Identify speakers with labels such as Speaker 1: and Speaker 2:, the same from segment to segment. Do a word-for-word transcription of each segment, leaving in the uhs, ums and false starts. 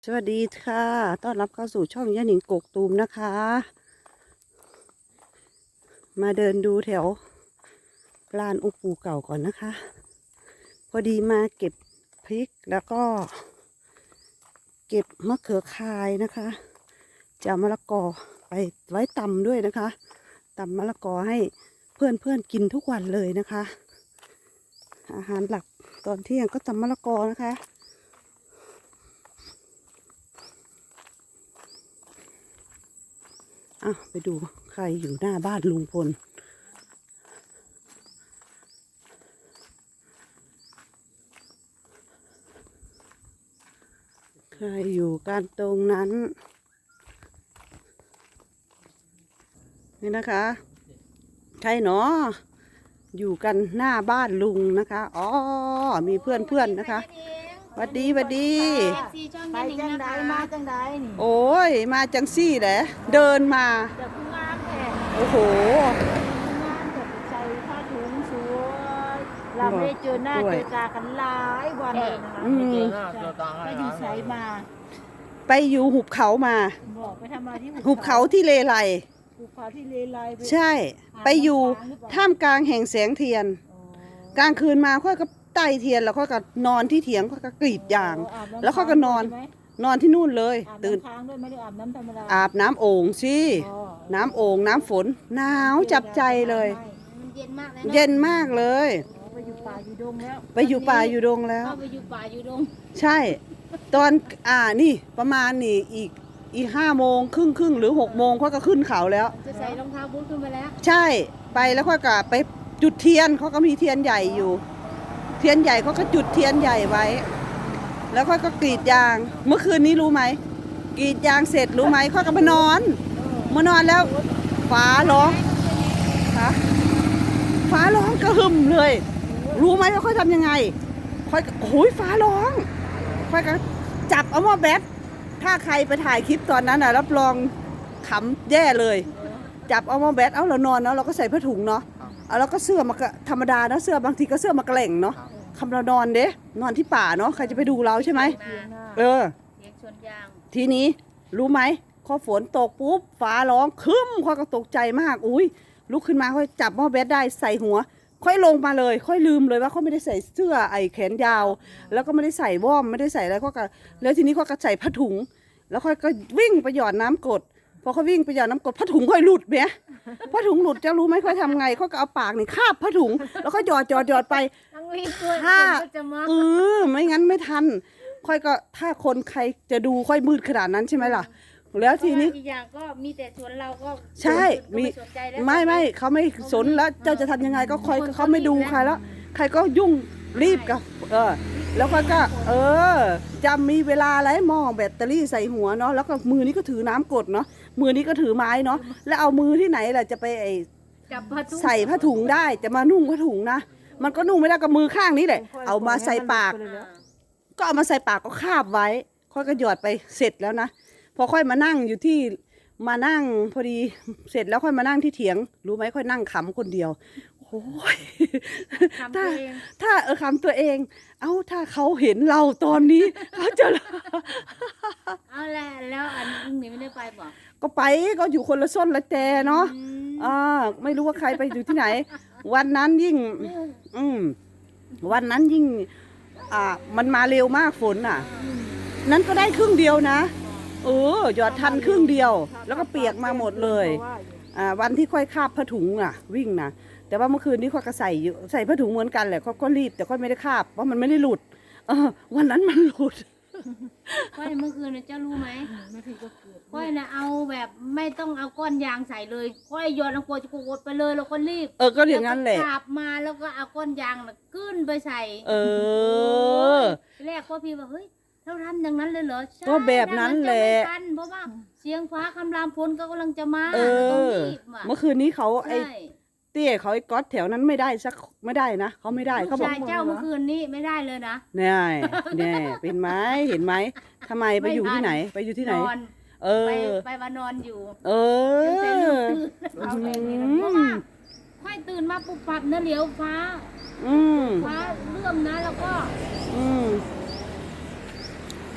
Speaker 1: สวัสดีค่ะต้อนรับเข้าสู่ช่องย่าหนิงกกตูมนะคะ มาเดินดูแถวลานอุปูเก่าก่อนนะคะ พอดีมาเก็บพริกแล้วก็ เก็บมะเขือคายนะคะจะเอามะละกอไปไว้ตำด้วยนะคะตำมะละกอให้เพื่อนเพื่อนกินทุกวันเลยนะคะ อาหารหลักตอนเที่ยงก็ตำมะละกอนะคะอ่ะไปดูใครอยู่หน้าบ้านลุงพลใครอยู่กันตรงนั้นนี่นะคะใครเนาะอยู่กันหน้าบ้านลุงนะคะอ๋อมีเพื่อนเพื่อนนะคะสวัสดีสวัสดี
Speaker 2: ไปจังใดมาจังใดนี่
Speaker 1: โอ้ยมาจังซี่แหละเดินมา
Speaker 2: จะพึ่งงามแท้
Speaker 1: โอ้โห
Speaker 2: งามจะใส่ผ้าถุงสวยเราไม่ได้เจอหน้าเจอตากันหลายวันเลยนะคะไม่เจอหน้าเจอตาไปอยู่ไสมา
Speaker 1: ไปอยู่หุบเขามา
Speaker 2: บอกไปทำอะไรที่
Speaker 1: หุบเขาที่เลไล
Speaker 2: หุบเขาที่เลไล
Speaker 1: ใช่ไปอยู่ท่ามกลางแห่งแสงเทียนกลางคืนมาค่อยก็ไต่เทียนแล้วค่อยก็นอนที่เถียงค่อยก็กรีดยาง แล้วค่อยก็นอนนอนที่นู่นเลยตื่น
Speaker 2: ค้างด้วยไม่ได้อาบน้ำธรรมดา
Speaker 1: อาบน้ำโอ่งสิน้ำโอ่งน้ำฝนหนาวจับใจเลย
Speaker 2: เย็นมากเลย
Speaker 1: เย็นมากเลย
Speaker 2: ไปอยู่ป่าอยู่ดงแล้ว
Speaker 1: ไปอยู่ป่าอยู่ดงแล้ว
Speaker 2: ไปอยู่ป่าอยู่ดง
Speaker 1: ใช่ตอนอ่านี่ประมาณนี่อีกอีกห้าโมงครึ่งครึ่งหรือหกโมงค่อยก็ขึ้นเขาแล้ว
Speaker 2: จะใส่รองเท้าบูทขึ้นไปแล้ว
Speaker 1: ใช่ไปแล้วค่อยก็ไปจุดเทียนเขาก็มีเทียนใหญ่อยู่ เทียนใหญ่เขาก็จุดเทียนใหญ่ไว้แล้วค่อยก็กรีดยางเมื่อคืนนี้รู้ไหมกรีดยางเสร็จรู้ไหมค่อยก็มานอนมานอนแล้วฟ้าร้องฮะฟ้าร้องกระหึ่มเลยรู้ไหมว่าค่อยทำยังไงค่อยโอ้ยฟ้าร้องค่อยก็จับเอาหม้อแบตถ้าใครไปถ่ายคลิปตอนนั้นน่ะรับรองขำแย่เลยจับเอาหม้อแบตเอาเรานอนเนาะเราก็ใส่ผ้าถุงเนาะเอาแล้วก็เสื้อมาธรรมดานะเสื้อบางทีก็เสื้อมาแกล่งเนาะคำเรานอนเด้นอนที่ป่าเนาะใครจะไปดูเราใช่ไหมเออทีนี้รู้ไหมพอฝนตกปุ๊บฟ้าร้องคึ้มค่อยก็ตกใจมากอุ้ยลุกขึ้นมาค่อยจับหม้อแบตได้ใส่หัวค่อยลงมาเลยค่อยลืมเลยว่าเขาไม่ได้ใส่เสื้อไอ้แขนยาวแล้วก็ไม่ได้ใส่ว่อมไม่ได้ใส่อะไรก็ก็แล้วทีนี้เขาก็ใส่ผ้าถุงแล้วค่อยก็วิ่งไปหยอดน้ำกรดพอเขาวิ่งไปหยอดน้ำกรดผ้าถุงค่อยหลุดเนี้ยผ้าถุงหลุดจะรู้ไหมค่อยทำไงเขาก็เอาปากนี่คาบผ้าถุงแล้วก็หยอดหยอดหยอดไปถ้าเออไม่งั้นไม่ทันค่อยก็ถ้าคนใครจะดูค่อยมืดขนาดนั้นใช่ไหมล่ะแล้วทีนี้
Speaker 2: อีกอย่างก็มีแต่สวนเราก็
Speaker 1: ใช่มีไม่ไม่เขาไม่สนแล้วเจ้าจะทำยังไงก็คอยเขาไม่ดูใครแล้วใครก็ยุ่งรีบกับเออแล้วก็ก็เออจะมีเวลาอะไรมองแบตเตอรี่ใส่หัวเนาะแล้วก็มือนี้ก็ถือน้ำกดเนาะมือนี้ก็ถือไม้เนาะแล้วเอามือที่ไหนล่ะจะไปไอใส่ผ้าถุงได้จะมานุ่งผ้าถุงนะมันก็นุ่งไม่ได้กับมือข้างนี้แหละเอามาใส่ปากก็เอามาใส่ปากก็คาบไว้ค่อยก็หยอดไปเสร็จแล้วนะพอค่อยมานั่งอยู่ที่มานั่งพอดีเสร็จแล้วค่อยมานั่งที่เถียงรู้ไหมค่อยนั่งขำคนเดียวโอ้ยถ้าถ้าเออขำตัวเองเอ้าถ้าเขาเห็นเราตอนนี้เขาจะ
Speaker 2: เอาแหละแล้วอันนี้ไม่ได้ไปบอก
Speaker 1: ก็ไปก็อยู่คนละส้นละแต่เนาะอ่าไม่รู้ว่าใครไปอยู่ที่ไหนวันนั้นยิ่งอืมวันนั้นยิ่งอ่ามันมาเร็วมากฝนอ่ะนั้นก็ได้ครึ่งเดียวนะเออหยอดทันครึ่งเดียวแล้วก็เปียกมาหมดเลยอ่าวันที่ค่อยคาบผ้าถุงอ่ะวิ่งนะแต่ว่าเมื่อคืนนี้ค่อยก็ใส่ใส่ผ้าถุงเหมือนกันแหละเขาก็รีบแต่ค่อยไม่ได้คาบเพราะมันไม่ได้หลุดเออวันนั้นมันหลุด
Speaker 2: ค่อยเมื่อคืนนะเจ้ารู้ไหมค่อยนะเอาแบบไม่ต้องเอาก้อนยางใส่เลยค่อยโยนเอาโกจะโกดไปเลยแล้วก็รีบ
Speaker 1: เออก็อย่างนั้นแหละ
Speaker 2: ขับมาแล้วก็เอาก้อนยางน่ะขึ้นไปใส่
Speaker 1: เออ
Speaker 2: แรกพ่อพี่บอกเฮ้ยเราทำอย่างนั้นเลยเหรอ
Speaker 1: ก็แบบนั้นแหละ
Speaker 2: เพราะว่าเสียงฟ้าคำรามฝนก็กำลังจะมา
Speaker 1: เออเมื่อคืนนี้เขาไอ้เตี้ยเขาไอ้ก๊อตแถวนั้นไม่ได้สักไม่ได้นะเขาไม่ได้เขาบอก
Speaker 2: เจ้าเมื่อคืนนี้ไม่ได้เลยนะ
Speaker 1: เนี่ยเนี่ยเป็นไหมเห็นไหมทำไมไปอยู่ที่ไหนไปอยู่ที่ไหนเออ
Speaker 2: ไปไปมานอนอยู่
Speaker 1: เออ
Speaker 2: เอาแรงนี้นะเพราะว่าค่อยตื่นมาปุ๊บปับเนื้อเหลียวฟ้าฟ้าเลื่อมนะแล้วก็
Speaker 1: อืม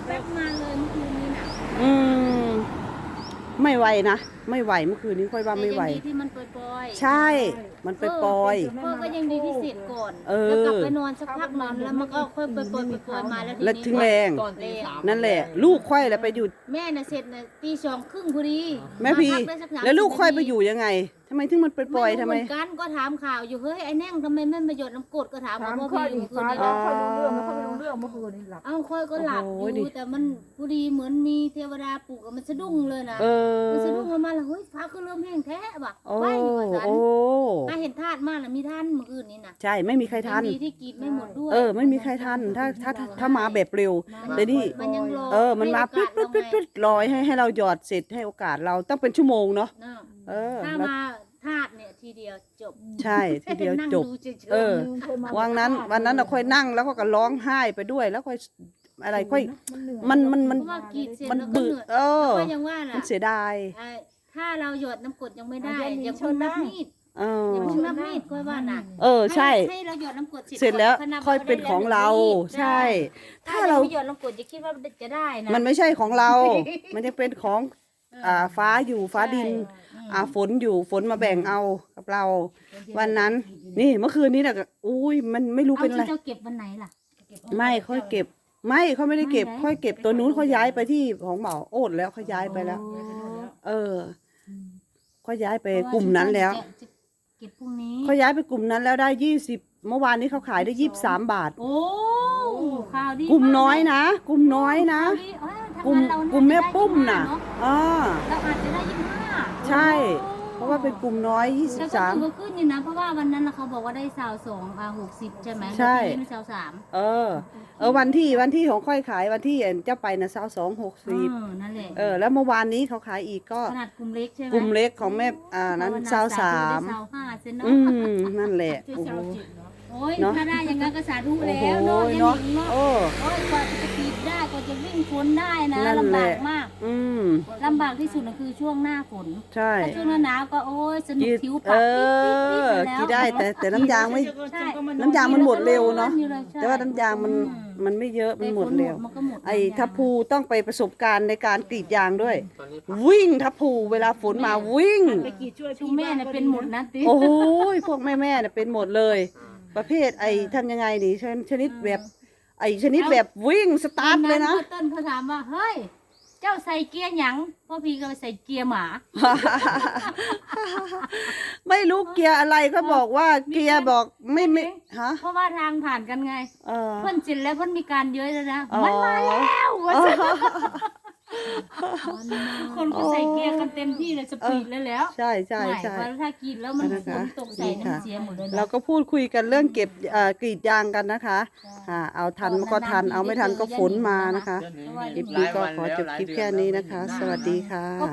Speaker 2: แป๊บมาเลยเมื่อคืนนี้น่ะ
Speaker 1: อืมไม่ไหวนะไม่ไหวเมื่อคืนนี้ค่อยว่าไม่ไหว
Speaker 2: แต่ยังดีที่มันปล่อยๆ
Speaker 1: ใช่ มันไปปล่อย
Speaker 2: พ่อก็ยังดีที่เสร็จก่อน
Speaker 1: เออ
Speaker 2: แล้วกลับไปนอนสักพักนอนแล้วมันก็ค่อยไปปล่อยไปปล่อยมาแล้วที
Speaker 1: แล้ว
Speaker 2: นี้
Speaker 1: ถึงแรง
Speaker 3: ตอนตีสาม
Speaker 1: นั่นแหละ ลูกค่อยแล้วไปอยู่
Speaker 2: แม่น่ะเสร็จน่ะตีสองครึ่งพอดี
Speaker 1: แม่พี
Speaker 2: าพักได้สักสามสิบ
Speaker 1: แล้วลูกค่อยไป
Speaker 2: นาที
Speaker 1: อยู่ยังไงทำไมถึงมันไปปล่อยทำไม
Speaker 2: รู้เหมือนกันก็ถามข่าวอยู่เฮ้ยไอ้แน่งทำไมไม่มาหยดน้ำกรดก็ถาม
Speaker 3: ถาม
Speaker 2: ว่า
Speaker 3: ข้
Speaker 2: พ่
Speaker 3: อ
Speaker 2: อ
Speaker 3: อี
Speaker 2: พี่
Speaker 3: ก
Speaker 2: คืน
Speaker 3: ฟ้า
Speaker 2: นี้
Speaker 3: แล้วค่อยรู้เรื่องไม่ค่อยรู้เรื่องเมื่อคืนนี้หลับ
Speaker 2: เอ้าค่อยก็หลับ
Speaker 1: โอ้โห
Speaker 2: อ
Speaker 1: ดิ
Speaker 2: ยู่แต่มันพอดีเหมือนมีเทวดาปลุกอะมันสะดุ้งเลยนะ
Speaker 1: เออ
Speaker 2: มันสะดุ้งออกมาแล้วเฮ้ยฟ้าก็เริ่มแห้งแท้ว่ะ
Speaker 1: โอ้
Speaker 2: ไปว่าสัน
Speaker 1: โอ้
Speaker 2: ถ้าเห็นธาตุมากนะมีท่านเมื่อคืนนี้นะ
Speaker 1: ใช่ไม่มีใครทัน
Speaker 2: ยังดีที่กรีดไม่หมดด้วย
Speaker 1: เออ ไม่มีใครทันถ้าถ้าถ้าถ้ามาแบบเร็ว
Speaker 2: มัน
Speaker 1: แต่นี่
Speaker 2: มันยังรอ
Speaker 1: เออ มันมา
Speaker 2: ให้
Speaker 1: ปึ๊ด
Speaker 2: โอกา
Speaker 1: ปึ๊ด
Speaker 2: ส
Speaker 1: ปึ๊ด
Speaker 2: เรา
Speaker 1: ปึ๊ดลอยให้ให้เราหยอดเสร็จให้โอกาสเราต้องเป็นชั่วโมงเนาะ
Speaker 2: ไงเนาะ
Speaker 1: เออ
Speaker 2: ถ้า
Speaker 1: แล้ว
Speaker 2: มาธาตุเนี่ยทีเดียวจบ
Speaker 1: ใช่ทีเดียว
Speaker 2: นั่ง
Speaker 1: จบ
Speaker 2: เฉยๆ
Speaker 1: เออ วันนั้นวันนั้นเราค่อยนั่งแล้วก็ก็ร้องไห้ไปด้วยแล้วค่อยอะไรค่อย มันมันมัน
Speaker 2: เพราะว่ากรีดเสร็จ
Speaker 1: มัน
Speaker 2: แล้วก็
Speaker 1: เบื่
Speaker 2: เห
Speaker 1: อ
Speaker 2: นื่อย
Speaker 1: เออ
Speaker 2: ก็ยังว่า
Speaker 1: มั
Speaker 2: น่ะ
Speaker 1: นเสียดาย
Speaker 2: ไอ้ถ้าเราหยดน้ำกรดยังไม่ได้
Speaker 3: อ่ะเดี๋ยว
Speaker 2: อย่า
Speaker 3: มี
Speaker 2: เพิ่งนับ
Speaker 3: เชิญนะ
Speaker 2: มีด
Speaker 1: เออ
Speaker 2: อย่าเพิ่งนับมีดค่อยว่าน่ะ
Speaker 1: เออใช่
Speaker 2: ให้เราหยดน้ำกรด
Speaker 1: เสร็จแล้ว
Speaker 2: ค่นับ
Speaker 1: ค่อยเป็นของเรา
Speaker 2: ได้
Speaker 1: ใช่
Speaker 2: ถ้า
Speaker 1: ถ้า
Speaker 2: เรา
Speaker 1: เรา
Speaker 2: ไม่หยดน้ำกรดจะคิดว่าจะได้นะ
Speaker 1: มันไม่ใช่ของเรา มันจะเป็นของอ่าฟ้าอยู่ฟ้าดิน
Speaker 2: ใช่
Speaker 1: อ่าฝนอยู่ฝนมาแบ่งเอากับเรา วันนั้น นี่เมื่อคืนนี้น่ะก็อุ้ยมันไม่รู้
Speaker 2: เอา
Speaker 1: เป็นอะไร
Speaker 2: ที่เจ้าเก็บวันไหนล่ะเก็บ
Speaker 1: ไม่ค่อยเก็บ ไม่เขาไม่ได้เก็บ
Speaker 2: ไม่ไหน
Speaker 1: ค่อยเก็บตัวนู้นเขาย้ายไปที่ของเหมาโอดแล้วเขาย้ายไปแล้ว
Speaker 2: โอ้
Speaker 1: เออเขาย้ายไปกลุ่มนั้นแล้ว
Speaker 2: จะจะเก็บพรุ่งนี้
Speaker 1: เขาย้ายไปกลุ่มนั้นแล้วได้ยี่สิบเมื่อวานนี้เขาขายได้ยี่สิบสามบาท
Speaker 2: โอ้ข่าวดี
Speaker 1: กลุ่มน้อยนะกลุ่มน้อยนะ
Speaker 2: ข่าวดีเอ้ยถ้าก
Speaker 1: ลุ่ม
Speaker 2: งั้นเราน่าจะ
Speaker 1: กลุ่มแม่ปุ้ม
Speaker 2: ได้
Speaker 1: น่ะ
Speaker 2: ยี่สิบห้าเ
Speaker 1: อ่า
Speaker 2: เราอาจจะได้ยี่สิบห้า
Speaker 1: ใช่ เพราะว่าเป็นกลุ่มน้อยยี่สิ
Speaker 2: แต่
Speaker 1: บ
Speaker 2: ก็
Speaker 1: สาม
Speaker 2: ถือว่าขึ้นอยู่นะ เพราะว่าวันนั้นน่ะเขาบอกว่าได้สาวสองอ่าหกสิบใช่ไหม
Speaker 1: ใช่
Speaker 2: แล้วทีนี้สาวสาม
Speaker 1: เออ เออวันที่วันที่ของค่อยขายวันที่เจ้าไปนะสาวสองหกสิบ
Speaker 2: เออนั่นแหละ
Speaker 1: เออ แล้วเมื่อวานนี้เขาขายอีกก็
Speaker 2: ขนาดกลุ่มเล็กใช่ไหม
Speaker 1: กลุ่มเล็กของแม่อ่านั้นสาวสาม
Speaker 2: สาวห้าเซนเนาะ
Speaker 1: อืมนั่นแหละโอ้โห
Speaker 2: โอ้ย
Speaker 1: เนอะ
Speaker 2: ถ้าได้อยังงั้นก็สาธุ
Speaker 1: โอ้
Speaker 2: แล้
Speaker 1: โห
Speaker 2: วเนาะ
Speaker 1: เนาะ
Speaker 2: ยังหญิงเนาะ
Speaker 1: โอ้
Speaker 2: โอ้ยกว่าจะกรีดได้กว่าจะวิ่งฝนได้นะ
Speaker 1: นั่น
Speaker 2: ลำ
Speaker 1: แห
Speaker 2: บา
Speaker 1: ละ
Speaker 2: กมาก
Speaker 1: อืม
Speaker 2: ลำบากที่สุดนะคือช่วงหน้าฝน
Speaker 1: ใช่
Speaker 2: ถ้าช่วงหน้าหนาวก็โอ้ยสนุก
Speaker 1: กิน
Speaker 2: ผิว
Speaker 1: เอ
Speaker 2: ปาก
Speaker 1: อ
Speaker 2: ปิ๊บๆๆ
Speaker 1: กินได้แต่แต่น้ำยางไม่
Speaker 2: ใช่
Speaker 1: น้ำยางมันหมดเร็วเนาะ
Speaker 2: อยู่เลยใช่
Speaker 1: แต่ว่าน้ำยางมัน
Speaker 2: อื
Speaker 1: มันไม่เยอะมันหมดเร็ว
Speaker 2: แต่ฝนมันก็หมด
Speaker 1: ไอ้
Speaker 2: น้ำยาง
Speaker 1: ทัพพูต้องไปประสบการณ์ในการกรีดยางด้วย วิ่งทัพพูเวลาฝนมาวิ่ง
Speaker 3: ไปกี่ช่วย
Speaker 2: ชุ
Speaker 3: พี่
Speaker 2: มแม่เนี่ยเป็นหมดนะติ
Speaker 1: โอ้โหพวกแม่แม่ๆเนี่ยเป็นหมดเลย ประเภทไอ้ทำยังไงดีชนชนิดแบบ ไอ้ชนิดแบบวิ่งสตาร์ทเลยนะ
Speaker 2: วัต้นเขาถามว่าเฮ้ยเจ้าใส่เกียร์หยังพ่อพี่ก็ใส่เกียร์หมา
Speaker 1: ไม่รู้เกียร์อะไรก็บอกว่าเกียร์บอกไม่ไม่ฮะ
Speaker 2: เพราะว่าทางผ่านกันไง
Speaker 1: เออ
Speaker 2: เพิ่นจินแล้วเพิ่นมีการเยอะแล้วนะ
Speaker 1: อ๋อ
Speaker 2: มันมาแล้วว่าซั่นคนก็ใส่เกียร์กันเต็มที่เลยสปีดเลยแล้ว
Speaker 1: ใช่ใช่ใช่
Speaker 2: ไม่เพราะถ้ากินแล้วมัน
Speaker 1: นะคะ
Speaker 2: ฝนตกใส่
Speaker 1: นี่
Speaker 2: เนี่ย
Speaker 1: ค่ะ
Speaker 2: มันเสียหมดเลยนะ
Speaker 1: เราก็พูดคุยกันเรื่องเก็บเอ่อกรีดยางกันนะคะค่ะเอาทันก็ทันเอาไม่ทันก็ฝนมานะคะ
Speaker 3: เดือนหนึ่ง
Speaker 1: คลิปนี้ก็ขอจบคลิปแค่นี้นะคะ สวัสดีค่ะ